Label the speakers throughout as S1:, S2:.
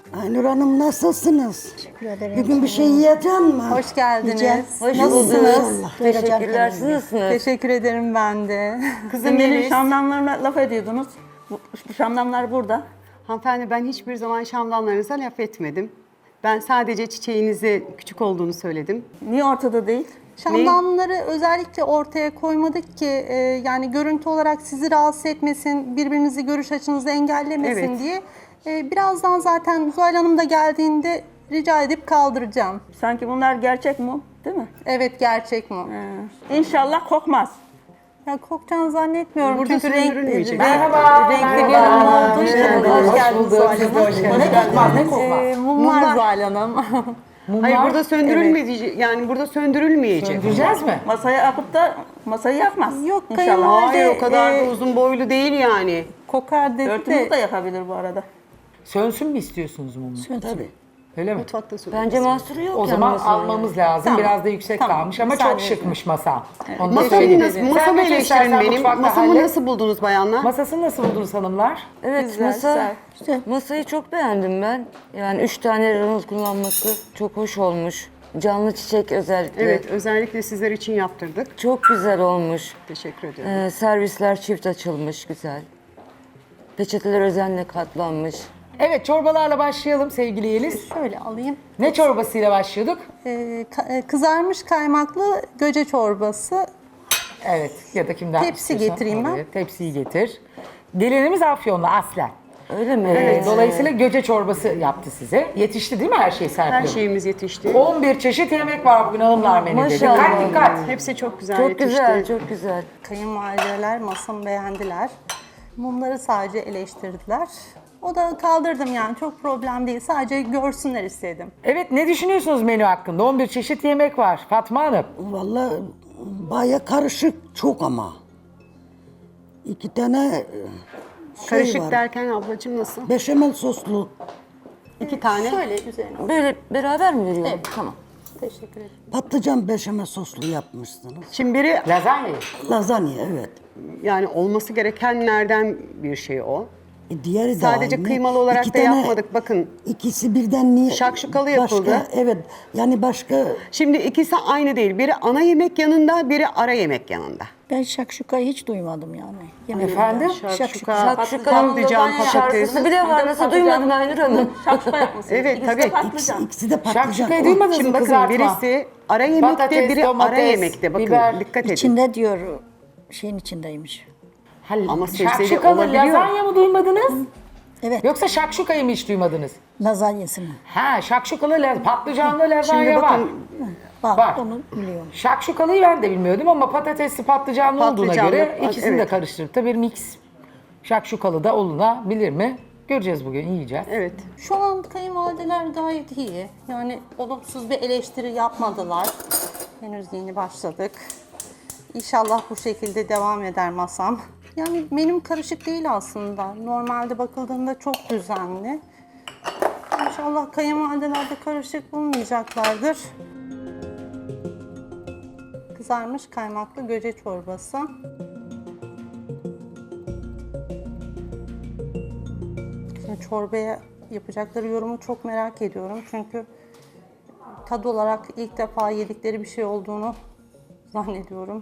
S1: Aynur Hanım nasılsınız?
S2: Teşekkür ederim.
S1: Bugün bir şey yiyecek mi?
S3: Hoş geldiniz.
S2: Hoş
S3: Nasılsınız?
S4: Teşekkürler. Siz nasılsınız?
S3: Teşekkür ederim ben de.
S5: Kızım benim şamdanlarına laf ediyordunuz. Bu şamdanlar burada.
S6: Hanımefendi ben hiçbir zaman şamdanlarınıza laf etmedim. Ben sadece çiçeğinize küçük olduğunu söyledim.
S5: Niye ortada değil?
S3: Şamdanları özellikle ortaya koymadık ki yani görüntü olarak sizi rahatsız etmesin, birbirinizi görüş açınızı engellemesin
S6: Evet.
S3: diye. Birazdan zaten Zuhal Hanım da geldiğinde rica edip kaldıracağım.
S5: Sanki bunlar gerçek mi? Değil mi?
S3: Evet, gerçek mi?
S5: İnşallah kokmaz.
S3: Ya kokacağını zannetmiyorum
S6: Burada
S3: çünkü renk,
S6: söndürülmeyecek.
S3: renkli bir yorum olduğu için.
S4: Hoş geldiniz Zuhal Hanım.
S2: Ne kokmaz, ne kokmaz?
S3: Mumlar Zuhal Hanım.
S6: Hayır burada söndürülmeyecek. Yani burada söndürülmeyecek.
S2: Söndüreceğiz mi?
S5: Masaya akıp da masayı yakmaz.
S3: Yok,
S5: İnşallah.
S3: kayınvalide-
S6: Hayır o kadar da uzun boylu değil yani.
S3: Kokar dedi
S5: Örtümüz
S3: de.
S5: de yakabilir bu arada.
S2: Sönsün mü istiyorsunuz mumu?
S1: Tabii.
S2: Öyle mi?
S6: Mutfakta söndürülmez.
S4: Bence mahsuru yok.
S2: O
S4: yani
S2: zaman
S4: masanın.
S2: almamız lazım.
S3: Tamam.
S2: Biraz da yüksek
S3: Tamam.
S2: kalmış ama
S3: Müsaade
S2: çok
S3: edin.
S2: şıkmış masa. Onu da
S6: Masamı
S2: söyleyeyim.
S6: nasıl,
S2: Sen
S6: masamı
S2: götür
S6: eleştirin
S2: istersen
S6: benim.
S2: mutfakta
S6: Masamı
S2: hallet.
S6: nasıl buldunuz bayanlar?
S2: Masasını nasıl buldunuz hanımlar?
S4: Evet
S3: Güzel,
S4: masa,
S3: güzel.
S4: masayı çok beğendim ben. Yani 3 tane ranıl kullanması çok hoş olmuş. Canlı çiçek özellikle.
S6: Evet özellikle sizler için yaptırdık.
S4: Çok güzel olmuş.
S6: Teşekkür ediyorum.
S4: Servisler çift açılmış güzel. Peçeteler özenle katlanmış.
S2: Evet çorbalarla başlayalım sevgili Yeliz.
S3: Şöyle alayım.
S2: Ne çorbasıyla başlıyorduk?
S3: Kızarmış kaymaklı göce çorbası.
S2: Evet ya da kimden
S3: Tepsi
S2: istiyorsan
S3: getireyim ben.
S2: oraya. Tepsiyi getir. Gelinimiz Afyonlu aslen.
S4: Öyle mi?
S2: Dolayısıyla göce çorbası yaptı size. Yetişti değil mi her şey Serpil
S6: Her
S2: Hanım?
S6: şeyimiz yetişti.
S2: 11 çeşit yemek var bugün hanımlar menüde.
S4: Maşallah.
S2: Dikkat dikkat.
S6: Hepsi çok güzel
S4: Çok
S6: yetişti.
S4: güzel, çok güzel.
S3: Kayınvalideler masamı beğendiler. Mumları sadece eleştirdiler. O da kaldırdım yani çok problem değil. Sadece görsünler istedim.
S2: Evet ne düşünüyorsunuz menü hakkında? 11 çeşit yemek var Fatma Hanım.
S1: Vallahi baya karışık çok ama. İki tane
S6: Karışık
S1: var.
S6: derken ablacığım nasıl?
S1: Beşamel soslu
S6: 2 tane.
S3: Şöyle üzerine.
S4: Böyle beraber mi veriyor? Tamam.
S3: Teşekkür ederim.
S1: patlıcan beşamel soslu yapmışsınız.
S6: Şimdi biri
S2: Lazanya.
S1: Lazanya evet.
S6: yani olması gerekenlerden bir şey o.
S1: Diğeri de
S6: Sadece
S1: aynı.
S6: kıymalı olarak
S1: İki
S6: da
S1: tane-
S6: yapmadık, bakın.
S1: İkisi birden niye?
S6: Şakşukalı yapıldı.
S1: Başka, evet yani başka
S6: Şimdi ikisi aynı değil. Biri ana yemek yanında, biri ara yemek yanında.
S7: Ben şakşukayı hiç duymadım yani.
S2: Efendim?
S6: Şakşuka,
S4: Patlıcan,
S6: patlıcan,
S4: şarkısı
S6: patates.
S4: bile var. Nasıl duymadın Aynur Hanım?
S5: Şapşuka yapmışsınız.
S6: Evet,
S5: İkisi de
S6: tabii.
S5: patlıcan.
S1: ikisi de patlıcan.
S2: Şakşukayı
S1: O-
S2: duymadınız
S6: Şimdi
S2: mı
S6: bakın
S2: kızartma?
S6: birisi ara yemekte,
S2: Patates,
S6: biri ara
S2: domates,
S6: yemekte. Bakın
S2: biber.
S6: dikkat edin.
S7: İçinde diyor şeyin içindeymiş.
S6: Ama sebzeli
S2: Şakşukalı
S6: olabiliyor.
S2: lazanya mı duymadınız?
S7: Evet,
S2: Yoksa şakşukayı mı hiç duymadınız?
S7: lazanyasını.
S2: Ha şakşukalı patlıcanlı
S6: Şimdi
S2: lazanya var.
S6: bakın
S7: Bak,
S2: Var.
S7: onu biliyorum.
S2: Şakşukalıyı ben de bilmiyordum ama patatesli patlıcanlı olduğuna
S6: Patlıcanlı,
S2: göre ikisini de
S6: evet.
S2: karıştırıp da bir mix. Şakşukalı da olunabilir mi? Göreceğiz bugün, yiyeceğiz.
S6: evet.
S3: Şu an kayınvalideler gayet iyi. Yani olumsuz bir eleştiri yapmadılar. Henüz yeni başladık. İnşallah bu şekilde devam eder masam. Yani menüm karışık değil aslında. Normalde bakıldığında çok düzenli. İnşallah kayınvalideler de karışık bulmayacaklardır. Kızarmış kaymaklı göce çorbası. Şimdi çorbaya yapacakları yorumu çok merak ediyorum. Çünkü tad olarak ilk defa yedikleri bir şey olduğunu zannediyorum.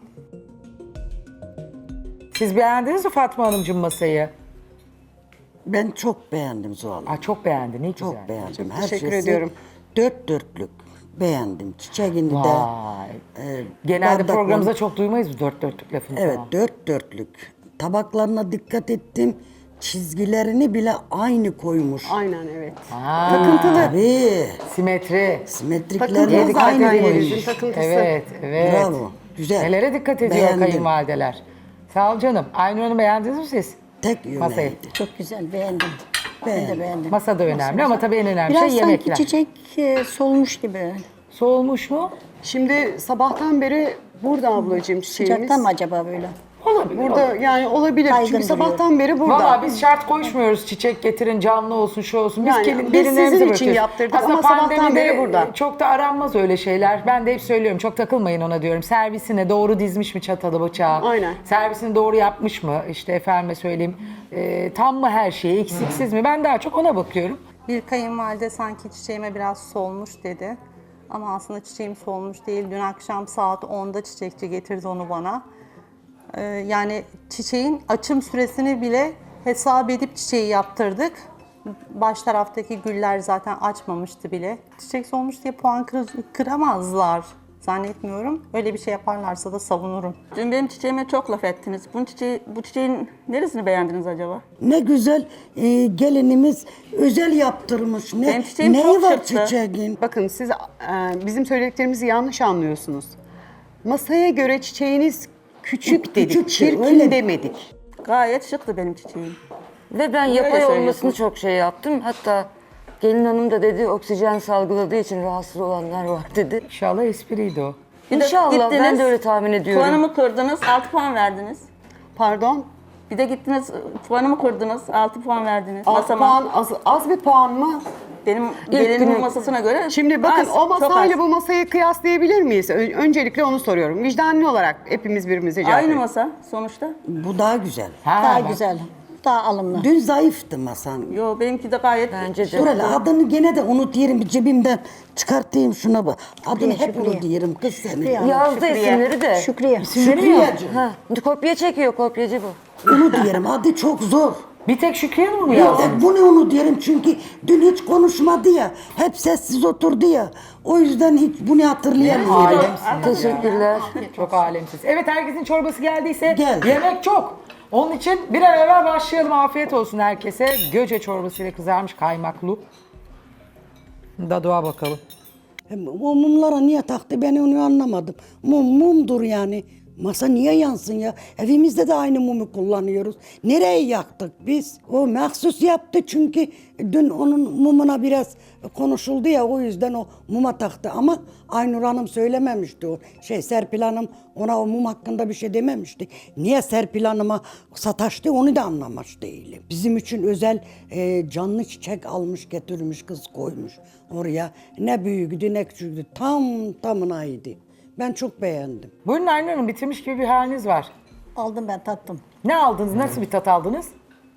S2: Siz beğendiniz mi Fatma Hanımcığım masayı?
S1: Ben çok beğendim Zuhal.
S2: Aa, çok beğendi, ne güzel.
S1: Çok beğendim. Her
S6: teşekkür
S1: şeysi
S6: ediyorum.
S1: Dört dörtlük beğendim. Çiçeğini de.
S2: Vay. Genelde
S1: bardakla-
S2: programımızda çok duymayız bu dört dörtlük lafını
S1: Evet
S2: falan.
S1: dört dörtlük. Tabaklarına dikkat ettim. Çizgilerini bile aynı koymuş.
S6: Aynen evet.
S1: Tabii.
S2: Simetri.
S1: Simetriklerini
S6: Takıntılı
S1: aynı
S6: zaten
S1: koymuş.
S6: yerimizin takıntısı.
S2: Evet, evet.
S1: Bravo. Güzel.
S2: Nelere dikkat ediyor
S1: Beğendim.
S2: kayınvalideler. Sağ ol canım. Aynur Hanım beğendiniz mi siz?
S1: Tek
S2: Masayı.
S1: yöneydi.
S7: Çok güzel, beğendim. Ben de beğendim.
S2: Masa da önemli ama tabii en önemli
S7: Biraz
S2: şey
S7: sanki
S2: yemekler.
S7: çiçek solmuş gibi.
S2: Soğumuş mu?
S6: Şimdi sabahtan beri burada ablacığım çiçeğimiz.
S7: Sıcaktan mı acaba böyle?
S2: Olabilir.
S6: Burada yani olabilir.
S7: Baygın
S6: Çünkü
S7: duruyor.
S6: sabahtan beri burada.
S2: Valla biz şart koşmuyoruz çiçek getirin canlı olsun şu olsun. Biz,
S6: Yani
S2: gelin,
S6: biz
S2: gelinlerimize
S6: sizin için
S2: bırakıyoruz.
S6: yaptırdık
S2: Aslında
S6: ama sabahtan
S2: pandemide
S6: beri burada.
S2: Çok da aranmaz öyle şeyler. Ben de hep söylüyorum çok takılmayın ona diyorum. Servisine doğru dizmiş mi çatalı bıçağı?
S6: Aynen.
S2: Servisini doğru yapmış mı? İşte efendime söyleyeyim tam mı her şeyi eksiksiz mi? Ben daha çok ona bakıyorum.
S3: Bir kayınvalide sanki çiçeğime biraz solmuş dedi. Ama aslında çiçeğim solmuş değil. Dün akşam saat 10'da çiçekçi getirdi onu bana. Yani çiçeğin açım süresini bile hesap edip çiçeği yaptırdık. Baş taraftaki güller zaten açmamıştı bile. Çiçek solmuş diye puan kıramazlar. Zannetmiyorum. Öyle bir şey yaparlarsa da savunurum.
S5: Dün benim çiçeğime çok laf ettiniz. Bu çiçeğin neresini beğendiniz acaba?
S1: Ne güzel gelinimiz özel yaptırmış.
S5: Benim çiçeğim
S1: Neyi
S5: çok
S1: var
S5: şıktı.
S1: çiçeğin?
S6: Bakın siz bizim söylediklerimizi yanlış anlıyorsunuz. Masaya göre çiçeğiniz küçük dedik,
S1: Küçük,
S6: çirkin
S1: öyle.
S6: demedik.
S5: Gayet şıktı benim çiçeğim.
S4: Ve ben
S5: Öyle
S4: yapay
S5: söylüyorsun.
S4: olmasını çok şey yaptım. Hatta gelin hanım da dedi oksijen salgıladığı için rahatsız olanlar var dedi.
S2: İnşallah espriydi o.
S5: Bir de
S4: İnşallah, ben
S5: gittiniz,
S4: de öyle tahmin ediyorum.
S5: Puanımı kırdınız, 6 puan verdiniz.
S6: Pardon,
S5: Bir de gittiniz, puanımı kırdınız, 6 puan verdiniz.
S6: 6
S5: Masama.
S6: puan az bir puan mı?
S5: Benim gelinimin
S4: günü-
S5: masasına göre
S6: Şimdi bakın
S5: az,
S6: o
S5: çok
S6: masayla
S5: az.
S6: bu masayı kıyaslayabilir miyiz? Öncelikle onu soruyorum. Vicdanlı olarak hepimiz birbirimize cevap
S5: Aynı
S6: verelim.
S5: masa sonuçta.
S1: Bu daha güzel.
S7: Daha
S2: bak.
S7: güzel. Daha alımlı.
S1: Dün zayıftı masan.
S5: Yo benimki de gayet
S4: Bence de.
S1: Dur hele adını gene de unutayım bir cebimden çıkartayım şuna bak. Adını hep
S7: Şükriye.
S1: unutuyorum kız seni.
S7: Şükriye.
S4: Yazdı isimleri de.
S7: Şükriye.
S1: Şükriyeciğim.
S4: Ha, kopya çekiyor, kopyacı bu.
S1: Onu diyelim adı çok zor.
S2: Bir tek Şükriye Hanım mı
S1: Ya
S2: yazdınız?
S1: bunu onu diyelim çünkü dün hiç konuşmadı ya. Hep sessiz oturdu ya. O yüzden hiç bunu hatırlayamıyorum.
S2: Alemsiniz.
S4: Teşekkürler.
S2: Çok alemsiz. Evet, herkesin çorbası geldiyse
S1: Geldi.
S2: yemek çok. Onun için bir an evvel başlayalım. Afiyet olsun herkese. Göce çorbasıyla kızarmış kaymaklı. Dadığa bakalım.
S1: O mumlara niye taktı ben onu anlamadım. Mumdur yani. Masa niye yansın ya? Evimizde de aynı mumu kullanıyoruz. Nereye yaktık biz? O mahsus yaptı çünkü dün onun mumuna biraz konuşuldu ya o yüzden o muma taktı. Ama Aynur Hanım söylememişti o. Serpil Hanım ona o mum hakkında bir şey dememişti. Niye Serpil Hanım'a sataştı onu da anlamış değilim. Bizim için özel canlı çiçek almış getirmiş kız koymuş oraya. Ne büyüktü ne küçüktü. Tamınaydı. Ben çok beğendim.
S2: Buyurun Aynur Hanım, bitirmiş gibi bir haliniz var.
S7: Aldım ben tattım.
S2: Ne aldınız? Nasıl bir tat aldınız?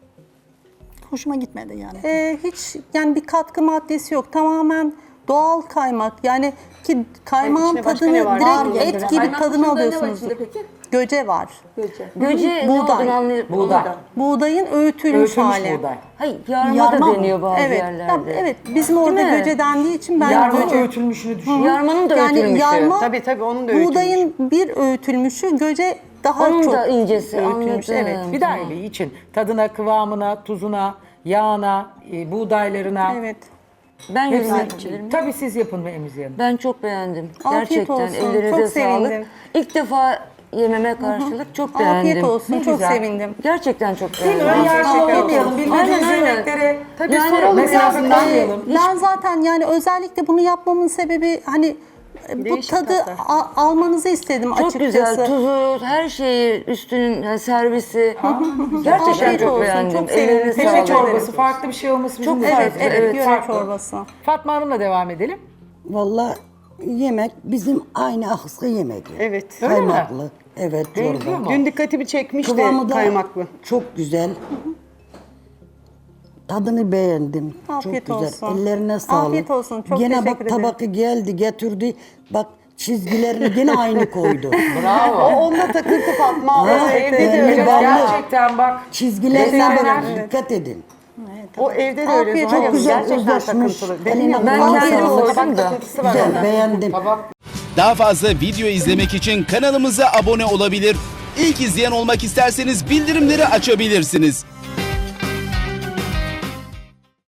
S7: Hoşuma gitmedi yani.
S3: Hiç yani bir katkı maddesi yok. Tamamen doğal kaymak. Yani ki kaymağın
S6: içine başka
S3: tadını
S6: ne var?
S3: direkt
S7: Ağır
S3: et
S7: geldi.
S3: gibi
S5: Kaymak
S3: tadını
S5: dışında ne var
S3: alıyorsunuz.
S5: içinde peki?
S3: Göce var.
S5: Göce.
S4: Göce ne
S3: Buğday.
S4: olduğunu anlayıp...
S2: Buğday.
S3: Buğdayın öğütülmüş
S2: Öğütülmüş
S3: hali.
S2: buğday.
S4: Hayır, yarma
S7: Yarma
S4: da
S7: mı?
S4: deniyor bazı
S3: Evet,
S4: yerlerde.
S3: evet. Bizim orada
S4: Değil mi?
S3: göce dendiği için ben
S2: Yarma
S3: göce.
S2: öğütülmüşünü düşün.
S4: Yarmanın da
S3: Yani
S4: öğütülmüşü.
S3: yarma
S6: Tabii onun da öğütülmüş.
S3: buğdayın bir öğütülmüşü, göce daha
S4: Onun
S3: çok
S4: da incesi,
S3: öğütülmüş.
S4: anladım.
S3: Evet.
S2: Bir daha iyi için. Tadına, kıvamına, tuzuna, yağına, buğdaylarına.
S3: Evet.
S4: Ben yorum
S2: Hepsini-
S4: yapabilir miyim?
S2: Tabii siz yapın ve Emziye Hanım.
S4: Ben çok beğendim.
S3: Afiyet
S4: Gerçekten
S3: olsun,
S4: ellerinize
S3: çok
S4: sağlık.
S3: sevindim.
S4: İlk defa yememe karşılık çok beğendim.
S3: Afiyet olsun.
S2: Ne
S3: Çok
S2: güzel.
S3: sevindim.
S4: Gerçekten çok
S2: Değil mi?
S4: beğendim.
S2: Ön yargılı
S3: Afiyet
S2: olmayalım.
S3: olsun.
S2: Bilmediğiniz
S4: Aynen, aynen.
S2: yemekleri
S6: Tabii
S4: Yani
S6: soralım
S2: mesela
S6: ya.
S2: anlamayalım.
S3: Ben zaten yani özellikle bunu yapmamın sebebi hani bu
S6: Değişik
S3: tadı
S6: tatlar.
S3: almanızı istedim
S4: Çok
S3: açıkçası.
S4: güzel, tuzu, her şeyi, üstünün yani servisi. Gerçekten
S3: Afiyet
S4: çok
S3: olsun,
S4: beğendim.
S3: çok sevindim.
S4: Ellerinize
S2: Göce
S3: Teşekkür
S4: sağlık.
S3: ederim.
S2: çorbası farklı bir şey olması bizim
S4: Çok
S2: de
S3: Evet,
S2: farklı.
S3: evet, göre
S2: farklı.
S3: çorbası.
S2: Fatma Hanım'la devam edelim.
S1: Vallahi yemek bizim aynı ahıska yemek.
S6: Evet.
S2: Öyle mi?
S1: Kaymaklı. Evet
S2: Benziyor
S1: çorba.
S2: mu?
S6: Dün dikkatimi çekmişti
S1: Kıvamı da
S6: kaymaklı.
S1: çok güzel. Tadını beğendim.
S3: Afiyet
S1: çok güzel.
S3: olsun.
S1: Ellerine sağlık.
S3: Afiyet olsun. Çok
S1: gene
S3: teşekkür
S1: bak
S3: ederim.
S1: tabakı geldi getirdi. Bak çizgilerini gene aynı koydu.
S2: Bravo.
S6: O onunla takıntı Fatma.
S1: Ha,
S6: O evde de
S1: evet.
S6: öyle.
S1: Vallahi.
S2: Gerçekten bak.
S1: Çizgilerine
S2: Desenler.
S1: böyle dikkat edin.
S6: O evde de öyle.
S3: Afiyet
S6: Zuhal Hanım.
S3: olsun.
S6: Gerçekten
S1: Özleşmiş.
S6: takıntılı. Dedim
S1: Eline
S6: ya.
S4: Ben
S1: koluna
S4: kendim
S1: sağlık.
S4: olsam da.
S6: Takıntısı var
S1: Güzel
S6: ona.
S1: beğendim.
S8: Daha fazla video izlemek için kanalımıza abone olabilir. İlk izleyen olmak isterseniz bildirimleri açabilirsiniz.